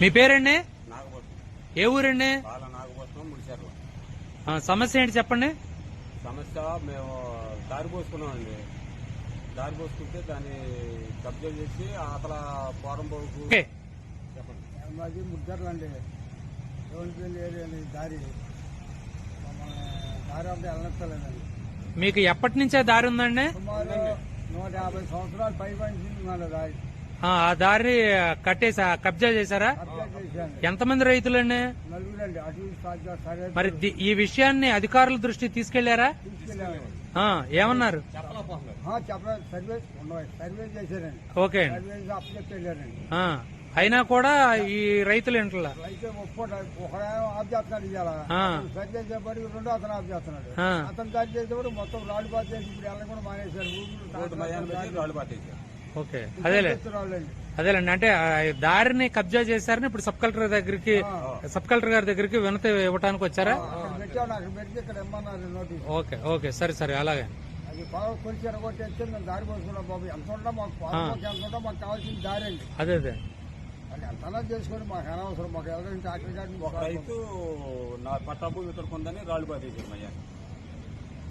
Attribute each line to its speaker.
Speaker 1: మీ పేరండి?
Speaker 2: నాగపట్నం.
Speaker 1: ఏ ఊరండి?
Speaker 2: బాల నాగపట్నం, ముడిచెర్ల.
Speaker 1: సమస్య ఏంటి చెప్పండి.
Speaker 2: సమస్య మేము దారి పోసుకున్నామండి. దారి పోసుకుంటే దాన్ని కబ్జా చేసి అతల పోరంబోకు
Speaker 1: ఓకే.
Speaker 2: చెప్పండి.
Speaker 3: మాది ముడిచెర్ల అండి. రోడ్డు ఏరియా దారి దారి అంటే వెళ్ళనక్కర్లేదండి.
Speaker 1: మీకు ఎప్పటి నుంచే దారి ఉందండి?
Speaker 3: సుమారు 150 సంవత్సరాలు పైబడింది దారి.
Speaker 1: ఆ దారి కట్టేసా, కబ్జా చేశారా?
Speaker 3: కబ్జా చేశాను.
Speaker 1: ఎంతమంది రైతులండి?
Speaker 3: నలుగురండి. అటు ఇటు స్టార్ట్ సరే
Speaker 1: మరి ఈ విషయాన్ని అధికారుల దృష్టికి తీసుకెళ్లారా?
Speaker 3: తీసుకెళ్ళామండి.
Speaker 1: ఏమన్నారు?
Speaker 3: చెప్పలేదు. సర్వే చేశారండి.
Speaker 1: ఓకే.
Speaker 3: సర్వే చేసి అప్పచెప్పి వెళ్ళారండి.
Speaker 1: అయినా కూడా ఈ రైతులు ఇంట్లో
Speaker 3: అయితే ఒక ఆఫ్ చేస్తున్నాడు ఇవాళ. సర్వే చేసేప్పటికి రెండో అతను ఆఫ్ చేస్తున్నాడు. అతను దారి చేసేవాడు మొత్తం రాళ్ళు పాత చేసి ఇప్పుడు వెళ్ళడం కూడా మానేశారు.
Speaker 2: రోడ్డు మధ్యాహ్నం పెట్టి రాళ్ళు పాతేశారు.
Speaker 1: ఓకే. అదేలేండి. అంటే దారిని కబ్జా చేశారని ఇప్పుడు సబ్ కలెక్టర్ గారి దగ్గరికి వినతి ఇవ్వడానికి వచ్చారా?
Speaker 3: పెట్టాను. అక్కడ పెట్టి ఇక్కడ ఇమ్మన్నారు నోటీస్.
Speaker 1: ఓకే. ఓకే. సరే అలాగే.
Speaker 3: అది బాగా కొంచెం ఎరగొట్టేస్తే మేము దారి పోసుకున్నాం బాబు. ఎంత ఉంటే మాకు ఎంత ఉంటే మాకు కావాల్సిన దారి అండి.
Speaker 1: అదే
Speaker 3: అది ఎంతనా చేసుకుని మాకు అనవసరం. మాకు ఎవరైనా ట్రాక్టర్ గాడిని
Speaker 2: ఒక రైతు నా పట్టాభూమి ఇతరుకుందని రాళ్ళు పాతేశారు మధ్యాహ్నం.